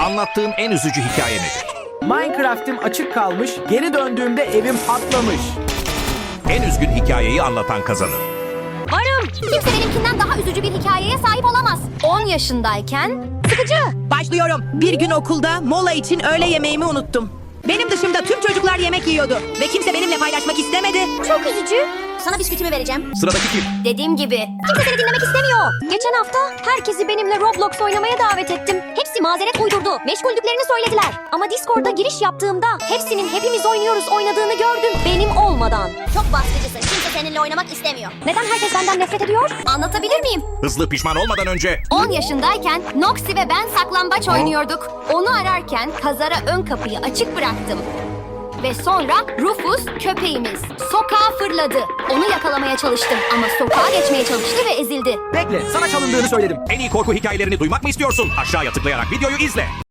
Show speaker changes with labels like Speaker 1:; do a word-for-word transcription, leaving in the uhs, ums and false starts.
Speaker 1: Anlattığın en üzücü hikaye nedir?
Speaker 2: Minecraft'im açık kalmış, geri döndüğümde evim patlamış.
Speaker 1: En üzgün hikayeyi anlatan kazanır.
Speaker 3: Varım. Kimse benimkinden daha üzücü bir hikayeye sahip olamaz. on yaşındayken sıkıcı.
Speaker 4: Başlıyorum. Bir gün okulda mola için öğle yemeğimi unuttum. Benim dışımda tüm çocuklar yemek yiyordu ve kimse benimle paylaşmak istemedi.
Speaker 3: Çok üzücü. Sana bisküvimi vereceğim.
Speaker 1: Sıradaki kim?
Speaker 3: Dediğim gibi. Kimse seni dinlemek istemiyor. Geçen hafta herkesi benimle Roblox oynamaya davet ettim. Hepsi mazeret uydurdu. Meşguldüklerini söylediler. Ama Discord'da giriş yaptığımda hepsinin hepimiz oynuyoruz oynadığını gördüm. Benim olmadan. Çok baskıcısın. Kimse seninle oynamak istemiyor. Neden herkes benden nefret ediyor? Anlatabilir miyim?
Speaker 1: Hızlı pişman olmadan önce
Speaker 3: on yaşındayken Noxy ve ben saklambaç oynuyorduk. Onu ararken kazara ön kapıyı açık bıraktım. Ve sonra Rufus köpeğimiz sokağa fırladı. Onu yakalamaya çalıştım ama sokağa geçmeye çalıştı ve ezildi.
Speaker 2: Bekle, sana çalındığını söyledim.
Speaker 1: en iyi korku hikayelerini duymak mı istiyorsun? Aşağıya tıklayarak videoyu izle.